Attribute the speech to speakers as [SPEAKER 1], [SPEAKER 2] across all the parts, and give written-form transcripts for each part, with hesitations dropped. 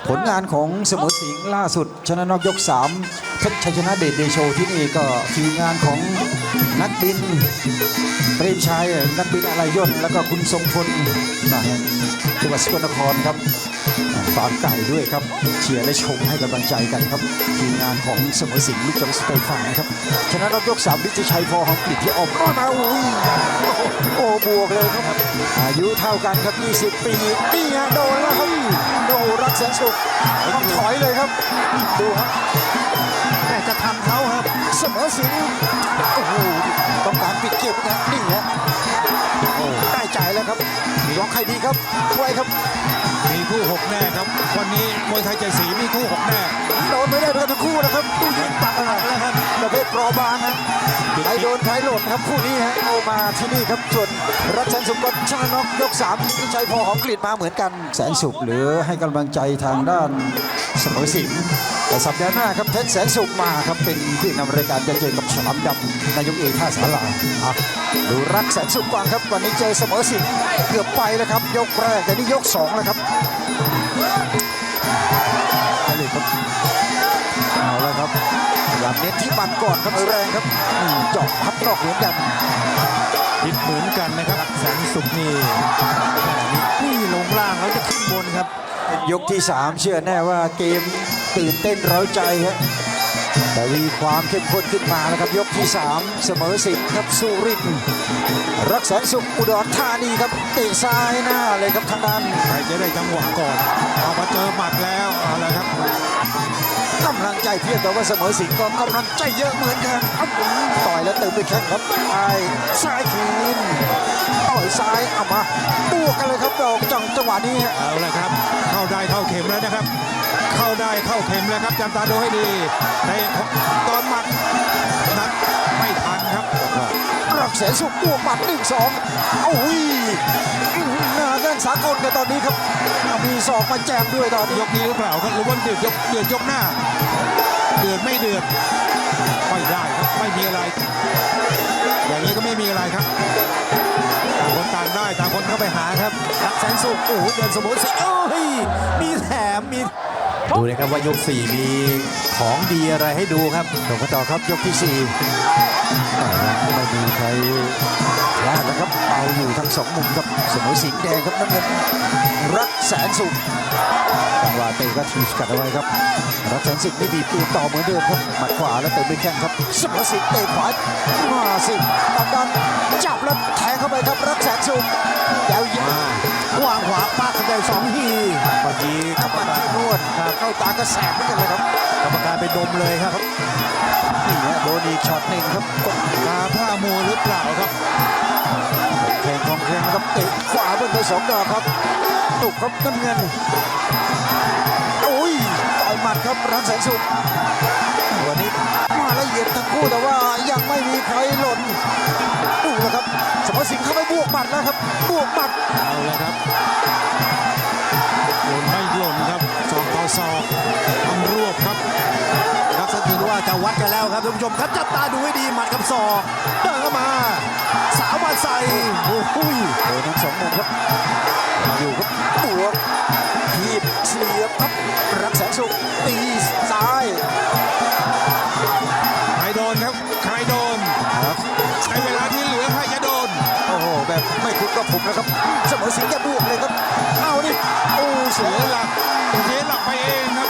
[SPEAKER 1] ผลงานของเสมอสิงห์ล่าสุดชนะนอกยก3เพชรชัยชนะเดชเดโชที่นี่ก็ทีมงานของนักบินเปรมชัยนักบินอะไรยนต์แล้วก็คุณทรงพลจังหวัดสกลนครครับฟาร์มไก่ด้วยครับเชียร์และชมให้กำลังใจกันครับทีมงานของเสมอสิงห์ลูกจังหวัดสตูลฝั่งนะครับชนะนอกยก3วิจิชัยพอหอมกลิ่นที่ออกมาโอ้บวกเลยครับอายุเท่ากันครับ20 ปีนี่ฮะโดนแล้วครับโอ้รักแสนสุขต้องถอยเลยครับดูครับแต่จะทำเขาครับเสมอสิงห์โอ้โหต้องการปิดเกมนะนี่ฮะโอ้ได้ใจแล้วครับร้องใครดีครับไว้ครับ
[SPEAKER 2] มีคู่6แน่ครับวันนี้มวยไทยใจสีมีคู่6แน่
[SPEAKER 1] โดนไม่ได้ด้วยกันทั้งคู่นะครับดูยิงตักแล้วครับประเภทปลอบางนะใครโดนใครหล่นครับคู่นี้ฮะเอามาที่นี่ครับส่วนรักแสนสุขก็ชนะน็อกยก3วิชัยพอหอมกลิ่นมาเหมือนกันแสนสุขหรือให้กำลังใจทางด้านเสมอสิงห์แต่สัปดาห์หน้าครับเพชรแสนสุขมาครับเป็นผู้นำรายการจะเจอกับฉลามดำนายกเอกท่าสาราดูรักแสนสุขกวางครับวันนี้เจอเสมอสิงห์เกือบไปแล้วครับยกแรกแต่นี่ยก2แล้วครับเอาแล้วครับอยากเน้นที่บันก่อนครับแรงครับเจาะพับนอกเหมือนกัน
[SPEAKER 2] ผิดเหมือนกันนะครับแสนสุขนี่ลงล่างแล้วจะขึ้นบนครับ
[SPEAKER 1] ยกที่3เชื่อแน่ว่าเกมตื่นเต้นเร้าใจครับแต่มีความเข้มข้นขึ้นมาแล้วครับยกที่3เสมอสิงห์ครับสุรินทร์รักแสนสุขอุดรธานีครับเตะซ้ายหน้าเลยครับทางด้าน
[SPEAKER 2] ใครจะได้จังหวะก่อนเอามาเจอหมัดแล้วเอาละครับ
[SPEAKER 1] กำลังใจเพียงแต่ว่าเสมอสิงห์ก็กำลังใจเยอะเหมือนกันต่อยแล้วเติมด้วยแข้งครับซ้ายคืนต่อยซ้ายเอามาบวกกันเลยครับดอกจังหวะนี้
[SPEAKER 2] เอาละครับเข้าได้เข้าเข็มแล้วนะครับเข้าได้เข้าเข็มแล้วครับจำตาดูให้ดีในตอนหมัดนั้นไม่ทันครับ
[SPEAKER 1] รักแสนสุขบวกหมัด1-2โอ้ยหน้าแข้งสากลกันตอนนี้ครับมีศอกมาแจมด้วยตอน
[SPEAKER 2] ยกนี้หรือเปล่าครับหรือว่าเดือดยกหน้าเดือดไม่เดือดไม่ได้ครับไม่มีอะไรอย่างนี้ก็ไม่มีอะไรครับต่างคนต่างได้ต่างคนเข้าไปหาครับ
[SPEAKER 1] รักแสนสุขโอ้เดินสมบูรณ์สิโอ้ยมีแถมมี
[SPEAKER 3] ดูนะครับว่ายก4มีของดีอะไรให้ดูครับ
[SPEAKER 1] ต่อครับยกที่4ไม่มีใครพลาดนะครับเอาอยู่ทั้ง2มุมครับเสมอสิงห์แดงครับน้ำเงินรักแสนสุขจังหวะเตะก็ทีกัดเอาไว้ครับรักแสนสุขนี่บีบตัวต่อเหมือนเดิมครับหมัดขวาแล้วเตะด้วยแข้งครับเสมอสิงห์เตะขวามาสิดันจับแล้วแทงเข้าไปครับรักแสนสุขยาว
[SPEAKER 3] วางขวาปากเข้าไป2 ที
[SPEAKER 1] เมื่อกี้กรรมการนวดเข้าตากระแสเหมือนกันเลยครับ
[SPEAKER 3] กรรมการไปดมเลยครับ
[SPEAKER 1] นี่ฮะโดนอีกช็อตหนึ่งครับกด
[SPEAKER 2] มาผ้ามัวหรือเปล่าครับ
[SPEAKER 1] แข่งของแข่งครับเตะขวาบนไป2 ดอกครับตุกครับน้ำเงินโอ้ยต่อยหมัดครับรักแสนสุขวันนี้มาละเอียดทั้งคู่แต่ว่ายังไม่มีใครหล่นดูแล้วครับเสมอสิงห์เข้าไปบวกหมัดแล้วครับบวกหมัด
[SPEAKER 2] เอาเลยครับหล่นไม่หล่นครับศอกต่อศอกทำรวบครับ
[SPEAKER 3] รักษาถือว่าจะวัดกันแล้วครับท่านผู้ชมครับจับตาดูให้ดีหมัดกับศอกเดินเข้ามาสาวมาใส่
[SPEAKER 1] โอ้โหโดนทั้ง2 มุมครับอยู่ครับบวกทีบเสียบครับรักแสนสุขตีซ้าย
[SPEAKER 2] ใครโดนครับใครโดนใช้เวลาที่เหลือใครจะโดน
[SPEAKER 1] โอ้โหแบบไม่คุ้นกับผมนะครับเสมอสิงห์จะบวกเลยครับเอาดิโอ้
[SPEAKER 2] เสียหลักไปเองครับ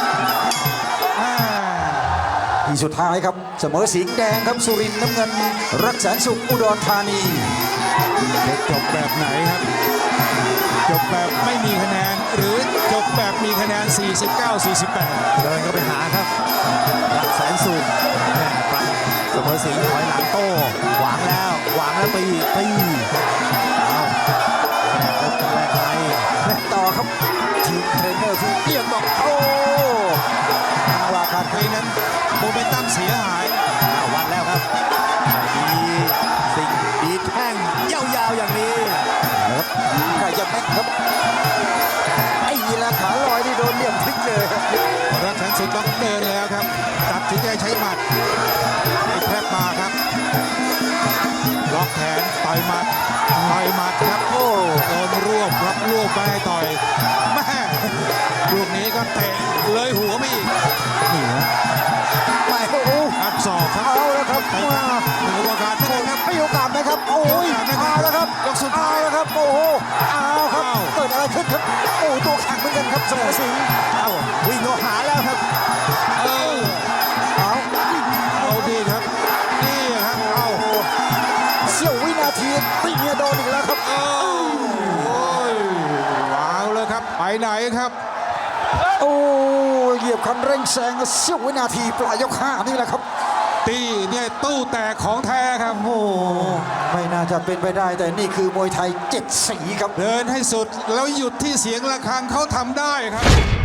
[SPEAKER 1] ทีสุดท้ายครับเสมอสิงห์แดงครับสุรินทร์น้ำเงินรักแสนสุขอุดรธานี
[SPEAKER 2] จบแบบไหนครับจบแบบไม่มีคะแนนหรือจบแบบมีคะแนน49-48
[SPEAKER 3] เดินเข้าไปหาครับรักแสนสุขเสมอสิงห์ถอยหลังโต้หวางแล้วตีเอาแรก
[SPEAKER 1] ไปต่อครับทีมเทรนเนอร์ที่เอียงบอกโอ้
[SPEAKER 2] ว่าการไปนั้นโมเมนตัมเสียหาย
[SPEAKER 3] วัดแล้วครับดีสิ่งดีแท่งยาวๆอย่างนี้
[SPEAKER 1] ใครจะแม็กครับไอ้ยีราขาลอยที่โดนเหลี่ยมพลิกเลย
[SPEAKER 2] รักแสนสุขต้องเดินแล้วครับตัดสินใจใช้หมัดให้แทบมาครับล็อกแขนต่อยหมัดครับโอ้โดนรวบรับรวบไปต่อยแม่ลูกนี้ก็เตะเลยหัวไม่อีก
[SPEAKER 1] นี่ฮะไม่โอ้โห
[SPEAKER 2] อัดศอกครับ
[SPEAKER 1] เอาแล้วครับ
[SPEAKER 2] เตะ
[SPEAKER 1] มา
[SPEAKER 2] เหนือกว่าการนะครับ
[SPEAKER 1] ให้โอกาสนะครับโอ้ย
[SPEAKER 2] ให้โอกาสนะครับ
[SPEAKER 1] เอาแล้วครับ
[SPEAKER 2] ยกสุดท้าย
[SPEAKER 1] เอาแล้วครับโอ้โหเอาครับ
[SPEAKER 2] อ้าว
[SPEAKER 1] เกิดอะไรขึ้นครับโอ้ตัวแข็งเหมือนกันครับเสมอสิงห์
[SPEAKER 3] เอ้าวิ่งเข้าหาแล้วครับ
[SPEAKER 2] เออ
[SPEAKER 1] เอา
[SPEAKER 2] เอาดีครับนี่ครับเอา
[SPEAKER 1] เสี้ยววินาทีตีเมียโดนอีกแล้วครับ
[SPEAKER 2] เอาโอ้ยวางเลยครับไปไหนครับ
[SPEAKER 1] โอ้เหยียบคันเร่งแซงเสี้ยววินาทีปลายยกห้านี่แหละครับ
[SPEAKER 2] ตีเนี่ยตู้แตกของแท้ครับ
[SPEAKER 1] โอ้ไม่น่าจะเป็นไปได้แต่นี่คือมวยไทยเจ็ดสีครับ
[SPEAKER 2] เดินให้สุดแล้วหยุดที่เสียงระฆังเขาทำได้ครับ